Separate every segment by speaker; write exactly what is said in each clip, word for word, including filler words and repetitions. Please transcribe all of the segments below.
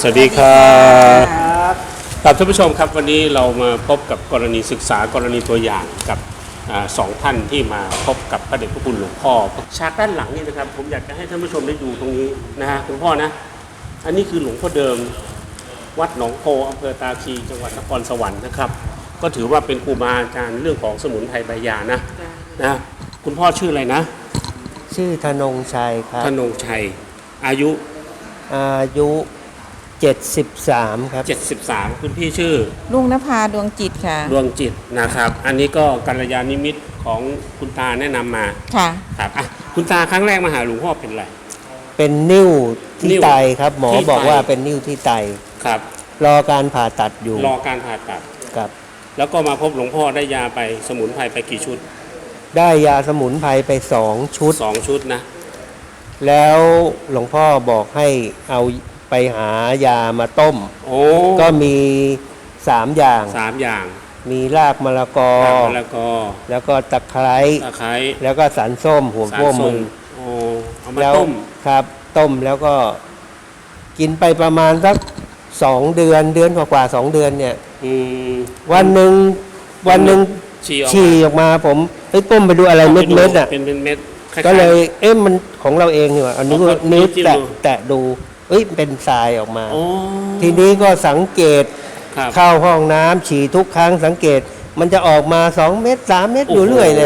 Speaker 1: สวัสดีครับครับท่านผู้ชมครับวันนี้เรามาพบกับกรณีศึกษากรณีตัวอย่างกับสองท่านที่มาพบกับพระเดชพระคุณหลวงพ่อฉากด้านหลังนี่นะครับผมอยากจะให้ท่านผู้ชมได้ดูตรงนี้นะฮะคุณพ่อนะอันนี้คือหลวงพ่อเดิมวัดหนองโพอำเภอตาคีจังหวัดนครสวรรค์นะครับก็ถือว่าเป็นครูบาอาจารย์เรื่องของสมุนไพรใบยานะนะคุณพ่อชื่ออะไรนะ
Speaker 2: ชื่อธนงชัยครับ
Speaker 1: ธนงชัยอายุ
Speaker 2: อายุเจ็ดสิบสามครับ
Speaker 1: เจ็ดสิบสามคุณพี่ชื่อ
Speaker 3: ลุงนภาดวงจิตค่ะ
Speaker 1: ดวงจิตนะครับอันนี้ก็กัลยาณมิตรของคุณตาแนะนำมา
Speaker 3: ค่ะ
Speaker 1: ครับอ่ะคุณตาครั้งแรกมาหาหลวงพ่อเป็นอะไร
Speaker 2: เป็นนิ้วที่ไตครับหมอบอกว่าเป็นนิ้วที่ไต
Speaker 1: ครับ
Speaker 2: รอการผ่าตัดอยู่
Speaker 1: รอการผ่าตัด
Speaker 2: ครับ
Speaker 1: แล้วก็มาพบหลวงพ่อได้ยาไปสมุนไพรไปกี่ชุด
Speaker 2: ได้ยาสมุนไพรไปสองชุด
Speaker 1: สองชุดนะ
Speaker 2: แล้วหลวงพ่อบอกให้เอาไปหายามาต้ม
Speaker 1: โอ้
Speaker 2: ก็มีสามอย่าง
Speaker 1: สามอย่าง
Speaker 2: มีรากมะละกอ
Speaker 1: รากมะละกอ
Speaker 2: แล้วก็ตะไคร้
Speaker 1: ตะไคร้
Speaker 2: แล้วก็สันส้มหัวโป้มือ
Speaker 1: โอ้เอามาต้ม
Speaker 2: ครับต้มแล้วก็กินไปประมาณสักสองเดือนเดือนกว่าๆสองเดือนเนี่ยวันหนึ่งวันหนึ่งฉี่ออกมาผมไปต้มไปดูอะไรเม็ดเม็ดอ่ะ
Speaker 1: เป็นเม็ด
Speaker 2: ก็เลยเอ๊ะมันของเราเองนี่หว่าอันนี้ก็นิ้วแตะแตะดูเอ้ยเป็นทรายออกมาทีนี้ก็สังเกตเข้าห้องน้ำฉี่ทุกครั้งสังเกตมันจะออกมาสองเม็ดสามเม็ดอยู่เรื่อยเลย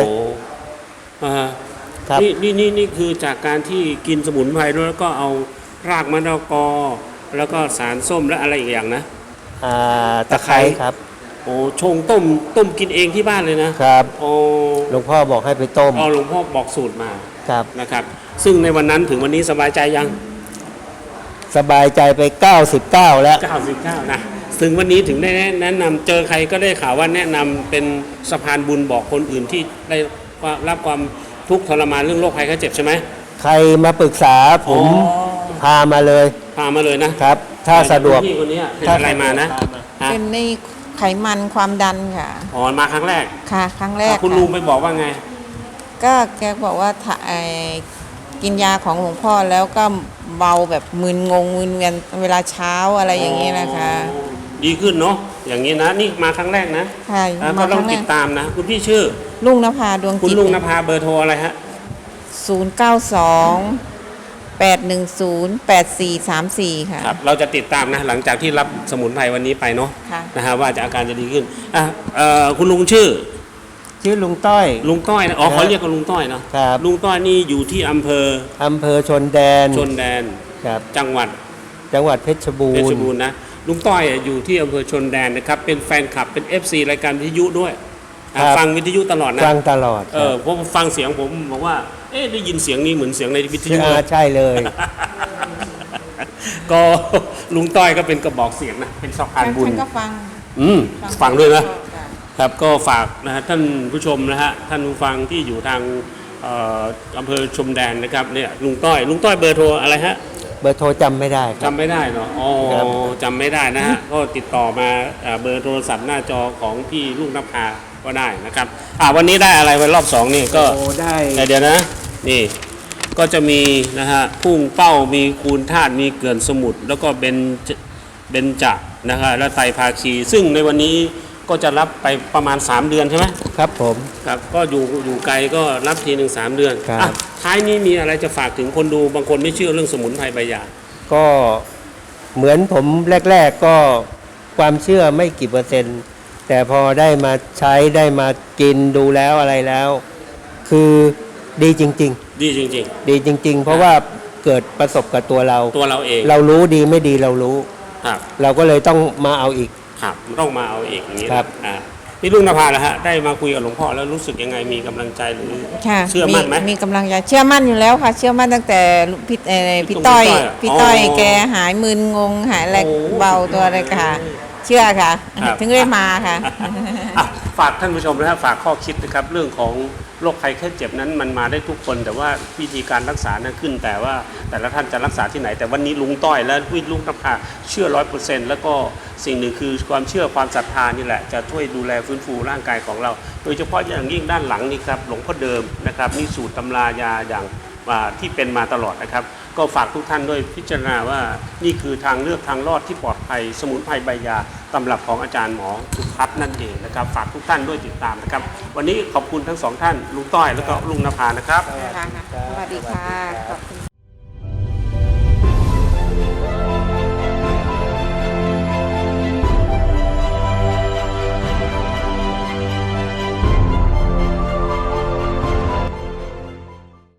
Speaker 1: ครับนี่นี่นี่นี่คือจากการที่กินสมุนไพรด้วยแล้วก็เอารากมะละกอแล้วก็สารส้มและอะไรอีกอย่างนะ
Speaker 2: อ่าตะไคร้ครับ
Speaker 1: โอ้ชงต้มต้มกินเองที่บ้านเลยนะครับโอ้
Speaker 2: หลวงพ่อบอกให้ไปต้ม
Speaker 1: อ๋อหลวงพ่อบอกสูตรมา
Speaker 2: ครับ
Speaker 1: นะครับซึ่งในวันนั้นถึงวันนี้สบายใจยัง
Speaker 2: สบายใจไปเก้าสิบเก้าแล้ว
Speaker 1: เก้าสิบเก้านะถึงวันนี้ถึงได้แนะนำเจอใครก็ได้ข่าวว่าแนะนำเป็นสะพานบุญบอกคนอื่นที่ได้รับความทุกข์ทรมานเรื่องโรคภัยไข้เจ็บใช่ไหม
Speaker 2: ใครมาปรึกษาผมพามาเลย
Speaker 1: พามาเลยนะครับ
Speaker 2: ถ้าสะดวก
Speaker 1: พี่คนนี้เป็นอะไรมานะ
Speaker 3: เป็นในไขมันความดันค่ะ
Speaker 1: อ๋อมาครั้งแรก
Speaker 3: ค่ะครั้งแรก
Speaker 1: คุณลุงไปบอกว่าไง
Speaker 3: ก็แกบอกว่ากินยาของหลวงพ่อแล้วก็เบาแบบมึนงงมึนเวียนเวลาเช้าอะไรอย่างนี้นะคะ
Speaker 1: ดีขึ้นเนาะอย่างนี้นะนี่มาครั้งแรกนะ
Speaker 3: ใช่
Speaker 1: มาต้องติดตามนะคุณพี่ชื่อ
Speaker 3: ลุงนภาดวงจิต
Speaker 1: คุณลุงนภาเบอร์โทรอะไรฮะ
Speaker 3: ศูนย์เก้าสองแปดหนึ่งศูนย์แปดสี่สามสี่ค่ะ
Speaker 1: ครับเราจะติดตามนะหลังจากที่รับสมุนไพรวันนี้ไปเนาะนะฮะว่าจะอาการจะดีขึ้นอ่ะคุณลุงชื่อ
Speaker 2: ชื่อลุงต้อย
Speaker 1: ลุงต้อยนะอ๋อเขาเรียกกันลุงต้อยเนาะ
Speaker 2: ครับ
Speaker 1: ลุงต้อยนี่อยู่ที่อำเภอ
Speaker 2: อำเภอชนแดน
Speaker 1: ชนแดน
Speaker 2: ครับ
Speaker 1: จังหวัด
Speaker 2: จังหวัดเพชรบูรณ์
Speaker 1: เพชรบูรณ์นะลุงต้อยอยู่ที่อำเภอชนแดนนะครับเป็นแฟนคลับเป็น เอฟ ซี รายการวิทยุด้วยฟังวิทยุตลอดนะ
Speaker 2: ฟังตลอด
Speaker 1: เออผมฟังเสียงผมบอกว่าเอ๊ะได้ยินเสียงนี้เหมือนเสียงในวิทยุ
Speaker 2: ใช่เลย
Speaker 1: ก็ลุงต้อยก็เป็นกระบอกเสียงนะเป็นสะพานบุญ
Speaker 3: ฉันก็ฟัง
Speaker 1: อืมฟังด้วยนะครับก็ฝากนะฮะท่านผู้ชมนะฮะท่านผู้ฟังที่อยู่ทางอำเภอชมแดนนะครับเนี่ยลุงต้อยลุงต้อยเบอร์โทรอะไรฮะ
Speaker 2: เบอร์โทรจำไม่ได้
Speaker 1: จำไม่ได้เนาะอ๋อจำไม่ได้นะฮะก็ติดต่อมาเบอร์โทรศัพท์หน้าจอของพี่ลุงนภาก็ได้นะครับอ่าวันนี้ได้อะไรวันรอบสองนี่ก็
Speaker 2: ได้
Speaker 1: เดี๋ยวนะนี่ก็จะมีนะฮะพุ่งเป้ามีคูณธาตุมีเกลื่อนสมุทรแล้วก็เบนเบนจะนะฮะและไตรภาคีซึ่งในวันนี้ก็จะรับไปประมาณสามเดือนใช่ไหม
Speaker 2: ครับผม
Speaker 1: ครับก็อยู่อยู่ไกลก็รับทีหนึ่งสามเดือน
Speaker 2: ครับ
Speaker 1: ท้ายนี้มีอะไรจะฝากถึงคนดูบางคนไม่เชื่อเรื่องสมุนไพรใบยา
Speaker 2: ก็เหมือนผมแรกๆก็ความเชื่อไม่กี่เปอร์เซ็นต์แต่พอได้มาใช้ได้มากินดูแล้วอะไรแล้วคือดีจริง
Speaker 1: ๆดีจริง
Speaker 2: ๆดีจริงๆเพราะว่าเกิดประสบกับตัวเรา
Speaker 1: ตัวเราเอง
Speaker 2: เรารู้ดีไม่ดีเรารู้
Speaker 1: ครับ
Speaker 2: เราก็เลยต้องมาเอาอีก
Speaker 1: ครับต้องมาเอาอีกอย่างนี้ครับอ่าพี่ลุงนภาแล้วฮะได้มาคุยกับหลวงพ่อแล้วรู้สึกยังไงมีกำลังใจหรือเชื่อมั่นไหม
Speaker 3: มีกำลังใจเชื่อมั่นอยู่แล้วค่ะเชื่อมั่นตั้งแต่พี่พี่ต้อยพี่ต้อยแกหายมึนงงหายอะไรเบาตัวอะไรค่ะเชื่อค่ะถึงได้มาค่ะ
Speaker 1: ฝากท่านผู้ชมนะครับฝากข้อคิดนะครับเรื่องของโรคภัยแค่เจ็บนั้นมันมาได้ทุกคนแต่ว่าวิธีการรักษานั้นขึ้นแต่ว่าแต่ละท่านจะรักษาที่ไหนแต่วันนี้ลุงต้อยและพี่ลุงนภาเชื่อร้อยเปอร์เซ็นต์แล้วก็สิ่งหนึ่งคือความเชื่อความศรัทธานี่แหละจะช่วยดูแลฟื้นฟูร่างกายของเราโดยเฉพาะอย่างยิ่งด้านหลังนี่ครับหลวงพ่อเดิมนะครับนี่สูตรตำรายาอย่างอ่าที่เป็นมาตลอดนะครับก็ฝากทุกท่านด้วยพิจารณาว่านี่คือทางเลือกทางรอดที่ปลอดภัยสมุนไพรใบยาตำรับของอาจารย์หมอสุพัฒน์นั่นเองนะครับฝากทุกท่านด้วยติดตามนะครับวันนี้ขอบคุณทั้งสองท่านลุงต้อยแล้วก็ลุงนภานะครับ
Speaker 3: สวัสดีค่ะขอบคุณ